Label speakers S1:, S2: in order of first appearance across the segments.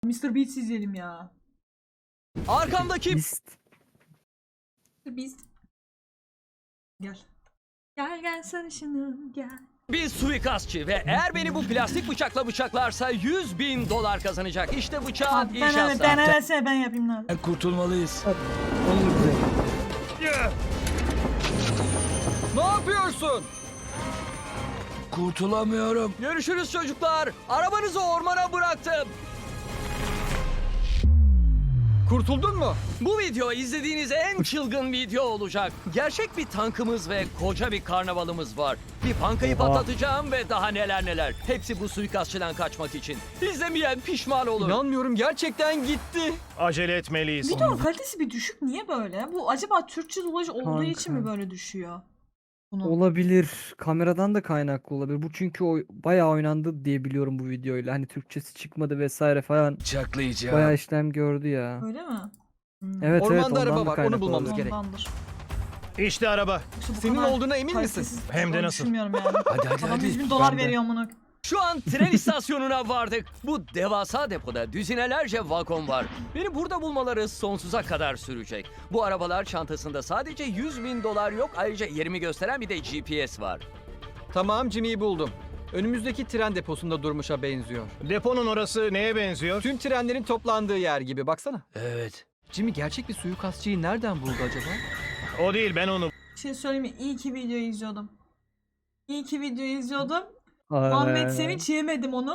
S1: Mr. Beast izleyelim ya.
S2: Arkamdaki
S1: Mr. Beast. Gel. Gel gel sarışınım gel.
S2: bir suikastçı ve eğer beni bu plastik bıçakla bıçaklarsa $100.000 kazanacak. İşte bıçağın
S1: Ben
S2: inşası.
S1: ben yapayım lan.
S3: Kurtulmalıyız.
S2: Ne yapıyorsun?
S3: Kurtulamıyorum.
S2: Görüşürüz çocuklar. Arabanızı ormana bıraktım.
S4: Kurtuldun mu?
S2: Bu video izlediğiniz en çılgın video olacak. Gerçek bir tankımız ve koca bir karnavalımız var. Bir bankayı patlatacağım ve daha neler neler. Hepsi bu suikastçıdan kaçmak için. İzlemeyen pişman olur.
S4: İnanmıyorum, gerçekten gitti.
S5: Acele etmeliyiz.
S1: Videonun kalitesi bir düşük. Niye böyle? Bu acaba Türkçe dublaj olduğu
S6: Kanka.
S1: için mi böyle düşüyor? Bunu.
S6: Olabilir. Kameradan da kaynaklı olabilir. Bu çünkü bayağı oynandı diye biliyorum bu videoyla. Hani Türkçesi çıkmadı vesaire falan.
S3: Bıçaklayacağım.
S6: Bayağı işlem gördü ya.
S1: Öyle mi?
S6: Evet
S4: Ormanda
S6: ondan
S4: araba
S6: da
S4: var, onu
S6: kaynaklı
S4: bulmamız
S6: olabilir.
S4: gerek.
S1: Ondandır.
S5: İşte araba.
S1: Yoksa bu
S4: Senin
S1: kadar
S4: olduğuna emin misin?
S1: kalitesiz
S5: Hem de
S1: olduğunu
S5: nasıl?
S1: Düşünmüyorum yani.
S3: Hadi
S1: Adam
S3: hadi.
S1: 100 bin dolar
S6: Ben de.
S1: veriyor amına.
S2: Şu an tren istasyonuna vardık. Bu devasa depoda düzinelerce vagon var. Beni burada bulmaları sonsuza kadar sürecek. Bu arabalar çantasında sadece $100.000 yok. Ayrıca yerimi gösteren bir de GPS var.
S4: Tamam, Jimmy'yi buldum. Önümüzdeki tren deposunda durmuşa benziyor.
S5: Deponun orası neye benziyor?
S4: Tüm trenlerin toplandığı yer gibi, baksana.
S3: Evet.
S4: Jimmy gerçek bir suikastçıyı nereden buldu acaba?
S5: O değil, ben onu.
S1: Bir şey söyleyeyim mi? İyi ki videoyu izliyordum. İyi ki videoyu izliyordum.
S6: Aynen.
S1: Ahmet Sevinç yemedim onu.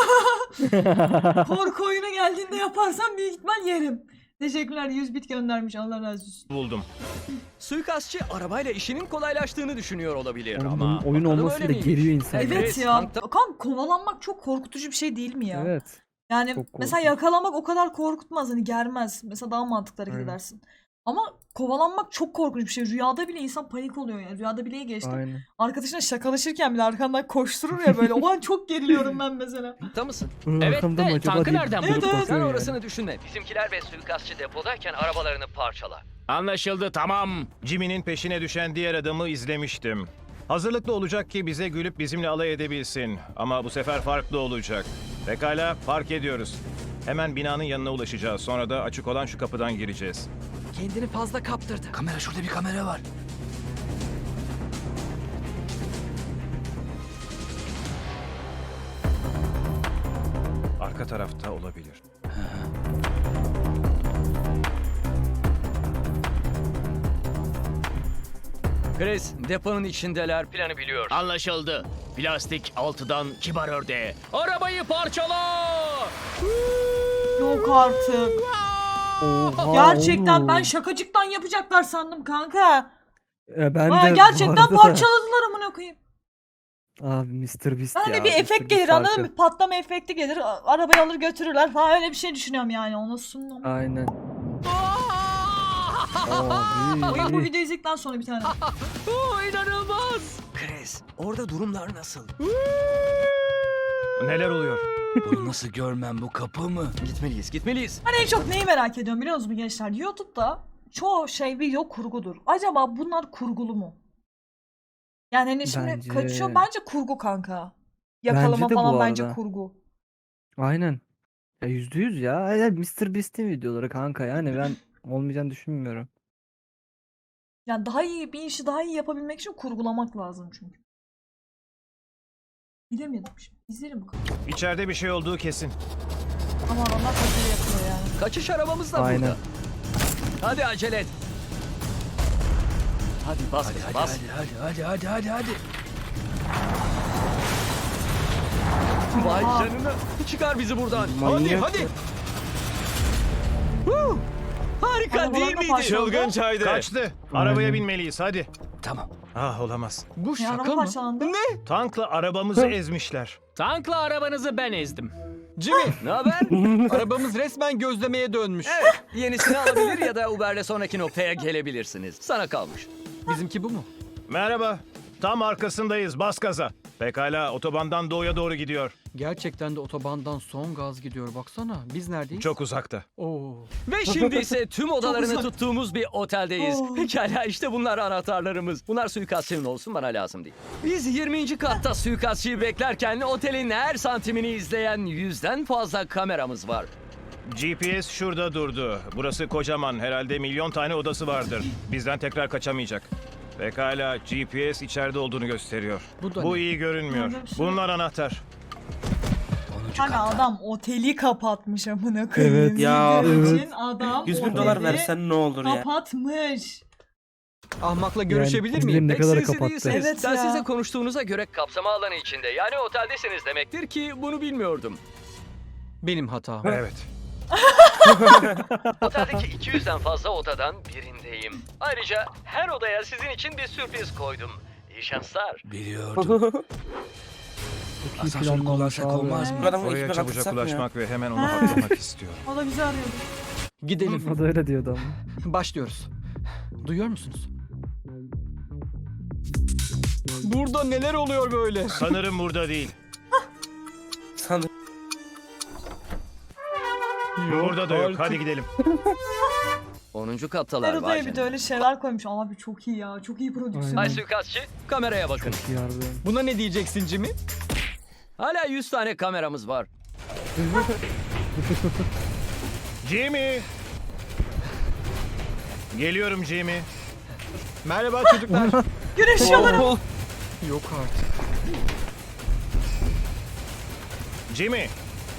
S1: Korku oyunu geldiğinde yaparsam büyük ihtimal yerim. Teşekkürler, 100 bit göndermiş, Allah razı olsun.
S5: Buldum.
S2: Suikastçı arabayla işinin kolaylaştığını düşünüyor olabilir
S6: Oğlum,
S2: ama
S6: bunun oyun
S2: bakalım
S6: olması
S2: öyle
S6: da
S2: miymiş?
S6: geriyor insanı.
S2: Evet,
S1: Evet ya.
S2: tankta-
S1: Kan kovalanmak çok korkutucu bir şey değil mi ya?
S6: Evet.
S1: Yani
S6: Çok
S1: mesela
S6: korkunç.
S1: yakalamak o kadar korkutmaz, hani germez. Mesela daha mantıklı hareket
S6: Aynen.
S1: edersin. Ama kovalanmak çok korkunç bir şey. Rüyada bile insan panik oluyor yani. Rüyada bile geçtim.
S6: Aynen.
S1: Arkadaşına şakalaşırken bile arkandan koşturur ya böyle. O an çok geriliyorum ben mesela.
S2: Tankta mısın?
S6: Bunun
S2: Evet
S6: arkamda
S2: de
S6: mı acaba
S2: tankı
S6: diye
S2: nereden
S6: durup
S1: buldun?
S2: Sen
S6: bakıyorum yani.
S2: orasını düşünme. Bizimkiler ve suikastçı depodayken arabalarını parçala.
S5: Anlaşıldı, tamam. Jimmy'nin peşine düşen diğer adamı izlemiştim. Hazırlıklı olacak ki bize gülüp bizimle alay edebilsin. Ama bu sefer farklı olacak. Pekala, park ediyoruz. Hemen binanın yanına ulaşacağız. Sonra da açık olan şu kapıdan gireceğiz.
S4: Kendini fazla kaptırdı.
S3: Kamera, şurada bir kamera var.
S5: Arka tarafta olabilir.
S2: Chris, deponun içindeler. Planı biliyor.
S7: Anlaşıldı. Plastik altıdan kibar ördeğe. Arabayı parçala!
S1: Yok artık.
S6: Oha,
S1: Gerçekten
S6: oğlum.
S1: ben şakacıktan yapacaklar sandım kanka.
S6: Ben
S1: Baya
S6: de bu
S1: gerçekten
S6: arada da-
S1: parçaladılar amına koyayım.
S6: Abi Mr. Beast
S1: Hani
S6: ya.
S1: bir
S6: Mr.
S1: efekt
S6: Beast
S1: gelir anladın
S6: farkı.
S1: mı? Patlama efekti gelir. Arabayı alır götürürler falan, öyle bir şey düşünüyorum yani. Ona sunum.
S6: Aynen.
S1: Bu
S6: Abi.
S1: videoyu izledikten sonra bir tane.
S2: İnanılmaz. Chris, orada durumlar nasıl?
S5: Neler oluyor?
S3: Bunu nasıl görmem, bu kapı mı?
S2: Gitmeliyiz, gitmeliyiz.
S1: Hani en çok neyi merak ediyorum biliyor musunuz gençler? YouTube'da çoğu şey video kurgudur. Acaba bunlar kurgulu mu? Yani hani şimdi
S6: Bence-
S1: kaçıyor, bence kurgu kanka. Yakalama
S6: Bence de bu
S1: falan bence
S6: arada.
S1: kurgu.
S6: Aynen. Ya %100 ya. Mr. Beast'in videoları kanka, yani ben olmayacağını düşünmüyorum.
S1: Yani daha iyi bir işi daha iyi yapabilmek için kurgulamak lazım çünkü. Bilemedim şimdi. İzlerim bakalım.
S5: İçeride bir şey olduğu kesin.
S1: Ama adamlar kaçırı yapıyor yani.
S2: Kaçış arabamız da
S6: Aynen.
S2: burada. Hadi acele et. Hadi bas,
S3: Hadi
S2: bas.
S3: hadi.
S2: Vay
S1: Oha.
S2: canına. Çıkar bizi buradan.
S6: Manyak.
S2: Hadi. Harika
S1: Arabalar
S2: değil
S1: da
S2: miydi?
S1: parçalandı.
S5: Çılgıncaydı. Kaçtı. Arabaya
S6: Aynen.
S5: binmeliyiz, hadi.
S3: Tamam.
S5: Ah, olamaz.
S4: Bu
S1: Ne
S4: şaka
S1: araba
S4: mı?
S1: parçalandı?
S5: Tankla arabamızı ezmişler.
S7: Tankla arabanızı ben ezdim.
S4: Jimmy,
S2: Ne haber?
S4: arabamız resmen gözlemeye dönmüş.
S2: Yenisini alabilir ya da Uber'le sonraki noktaya gelebilirsiniz. Sana kalmış.
S4: Bizimki bu mu?
S5: Merhaba. Tam arkasındayız, bas gaza. Pekala, otobandan doğuya doğru gidiyor.
S4: Gerçekten de otobandan son gaz gidiyor, baksana. Biz neredeyiz?
S5: Çok uzakta.
S4: Oo.
S2: Ve şimdi ise tüm odalarını
S1: uzak.
S2: tuttuğumuz bir oteldeyiz.
S1: Oh.
S2: Pekala, işte bunlar anahtarlarımız. Bunlar suikastçının olsun, bana lazım değil. Biz 20. katta suikastçıyı beklerken otelin her santimini izleyen 100'den fazla kameramız var.
S5: GPS şurada durdu. Burası kocaman. Herhalde milyon tane odası vardır. Bizden tekrar kaçamayacak. Pekala, GPS içeride olduğunu gösteriyor.
S4: Bu da
S5: Bu
S4: ne?
S5: iyi görünmüyor.
S1: Burada bir şey
S5: Bunlar anahtar.
S3: 10.
S1: Hani
S3: katta.
S1: adam oteli kapatmış amına koyayım.
S6: Evet.
S8: Ya,
S1: Video
S6: evet.
S1: için adam
S8: 100 bin dolar
S1: oteli
S8: versen ne olur ya?
S1: kapatmış.
S4: Ahmakla görüşebilir
S6: Yani
S4: miyim?
S6: ne
S2: Pek
S6: kadar
S2: sinsi
S6: kapattı.
S2: değilsiniz.
S1: Evet
S2: Ben
S1: ya.
S2: size konuştuğunuza göre kapsama alanı içinde. Yani oteldesiniz demektir ki bunu bilmiyordum.
S4: Benim hatam.
S5: Evet.
S2: Oteldeki 200'den fazla odadan birindeyim. Ayrıca her odaya sizin için bir sürpriz koydum. İyi şanslar.
S3: Biliyordum.
S6: Çok iyi
S3: Asansörü
S6: planlanmış
S3: kullansak
S6: abi.
S3: olmaz mı?
S8: Bu adamı
S5: Oraya
S8: ekmek
S5: çabucak
S8: atsak mı ya?
S5: ulaşmak ve hemen onu
S1: Ha.
S5: patlamak istiyorum.
S1: O da bizi arıyordu.
S4: Gidelim.
S6: O da öyle diyordu ama.
S4: Başlıyoruz. Duyuyor musunuz? Burada neler oluyor böyle?
S5: Sanırım burada değil.
S8: Sanırım.
S5: Burada da yok.
S4: artık.
S5: Hadi gidelim.
S2: 10. kattalar
S1: Her
S2: var
S1: odaya bir
S2: canım.
S1: de öyle şeyler koymuş. Abi çok iyi ya. Çok iyi prodüksiyon.
S2: Ay suikastçı, kameraya bakın.
S6: İyi harbiden.
S4: Buna ne diyeceksin Jimmy?
S2: Hala 100 tane kameramız var.
S5: Jimmy! Geliyorum Jimmy.
S4: Merhaba çocuklar.
S1: Güneşiyorlar.
S4: Yok artık.
S5: Jimmy!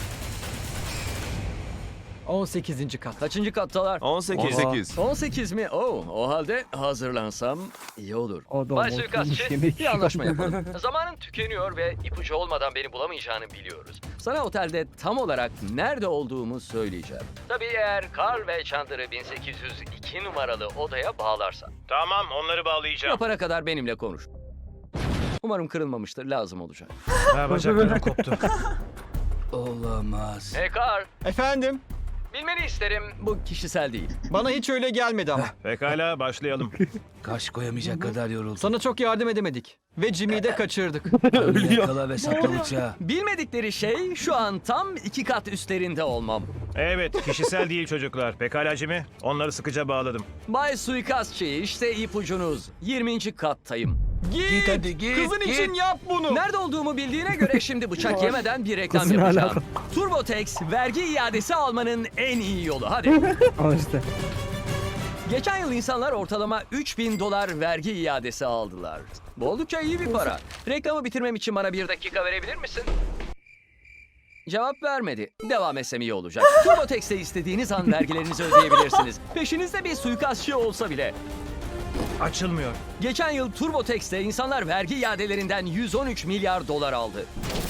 S4: 18. kat.
S2: Kaçıncı kattalar?
S5: 18.
S2: 18 mi? O halde hazırlansam iyi olur.
S6: Adam
S2: Bay
S6: oturmuş
S2: suikastçı,
S6: yemek
S2: bir anlaşma yapalım. Zamanın tükeniyor ve ipucu olmadan beni bulamayacağını biliyoruz. Sana otelde tam olarak nerede olduğumu söyleyeceğim. Tabii eğer Carl ve Chandler'ı 1802 numaralı odaya bağlarsan.
S5: Tamam, onları bağlayacağım.
S2: Yapana kadar benimle konuş. Umarım kırılmamıştır, lazım olacak.
S5: Ha, bacaklarım koptu.
S3: Olamaz.
S2: Hey Carl,
S4: Efendim?
S2: bilmeni isterim. Bu kişisel değil.
S4: Bana hiç öyle gelmedi ama.
S5: Pekala, başlayalım.
S3: Kaş koyamayacak kadar yoruldum.
S4: Sana çok yardım edemedik. Ve Jimmy'yi de kaçırdık.
S3: Ölüyor. Yakala ve sakla bıçağı.
S2: Bilmedikleri şey şu an tam 2 kat üstlerinde olmam.
S5: Evet, kişisel değil çocuklar. Pekala Jimmy, onları sıkıca bağladım.
S2: Bay suikastçı, işte ipucunuz. 20. kattayım.
S4: Git
S3: hadi, git,
S4: Kızın
S3: git.
S4: için yap bunu.
S2: Nerede olduğumu bildiğine göre şimdi bıçak yemeden bir reklam
S6: Kızın
S2: yapacağım.
S6: alaka.
S2: TurboTax vergi iadesi almanın en iyi yolu. Hadi.
S6: Ama işte.
S2: Geçen yıl insanlar ortalama 3000 dolar vergi iadesi aldılar. Bu oldukça iyi bir para. Reklamı bitirmem için bana 1 dakika verebilir misin? Cevap vermedi. Devam etsem iyi olacak. TurboTax'te istediğiniz an vergilerinizi ödeyebilirsiniz. Peşinizde bir suikastçı olsa bile.
S5: Açılmıyor.
S2: Geçen yıl TurboTax'te insanlar vergi iadelerinden 113 milyar dolar aldı.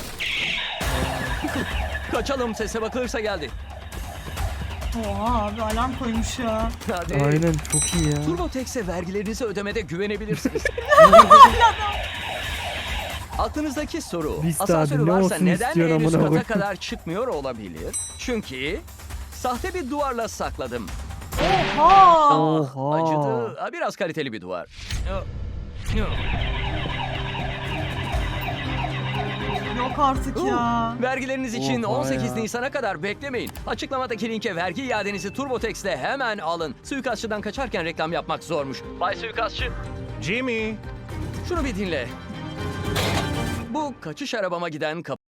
S2: Kaçalım, sese bakılırsa geldi.
S1: Oha abi alarm koymuş ya.
S2: Hadi.
S6: Aynen çok iyi ya.
S2: TurboTax'e vergilerinizi ödemede güvenebilirsiniz. Aklınızdaki soru,
S6: Vista
S2: asansörü
S6: abi, ne
S2: varsa
S6: olsun
S2: neden
S6: istiyorsun
S2: en üst
S6: amına
S2: kata
S6: koyayım?
S2: kadar çıkmıyor olabilir? Çünkü sahte bir duvarla sakladım.
S1: Oha.
S6: Oha.
S2: Acıdı. Ha, biraz kaliteli bir duvar.
S1: Yok artık ya.
S2: Vergileriniz için
S6: Oha
S2: 18
S6: ya.
S2: Nisan'a kadar beklemeyin. Açıklamadaki linke vergi iadenizi TurboTax'te hemen alın. Suikastçıdan kaçarken reklam yapmak zormuş. Bay suikastçı,
S5: Jimmy!
S2: şunu bir dinle. Bu kaçış arabama giden kapı.